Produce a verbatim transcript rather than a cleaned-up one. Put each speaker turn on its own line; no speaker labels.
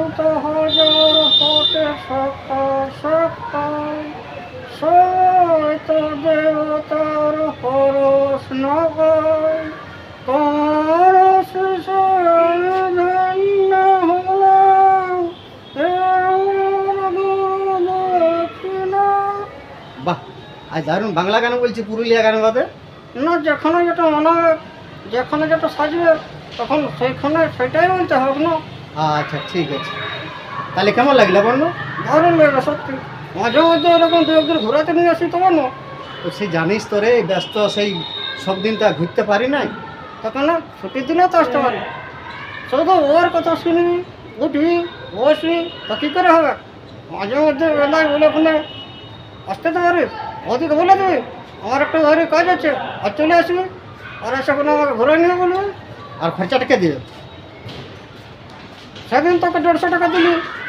শত হাজার হতে সকাল সকাল সৈত দেবতার পরশ নগায় তোমার শিশু ধন্য হলাম এ আমার দক্ষিণা।
বাহ, আজ দারুণ বাংলা গান বলছি পুরুলিয়া গান বাদে।
না, যেখানে যেটা মনে হবে, যেখানে যেটা সাজবে তখন সেইখানে সেটাই বলতে হবে না।
আচ্ছা ঠিক আছে, তাহলে কেমন লাগলো বলো?
দারুণ লাগে সত্যি। মাঝে মধ্যে এরকম দু একদিন ঘোরাতে নিয়ে আসি তোমার না,
তো সেই জানিস তো রে, ব্যস্ত সেই সব দিন তো আর ঘুরতে পারি নাই।
তখন না ছুটির দিনে তো আসতে পারি। শুধু ওর কথা শুনি, উঠি, বসি, তা কী করে হবে? মাঝে মধ্যে বেলায় বলে ফোনে আসতে তো পারিস, ওদিকে বলে দিবি আমার একটা ঘরে কাজ আছে আর চলে আসবি, আর এসে কোনো আমাকে ঘুরে নিয়ে বলবি।
আর খরচাটাকে দিও।
সেদিন তোকে দেড়শো টাকা দিলি,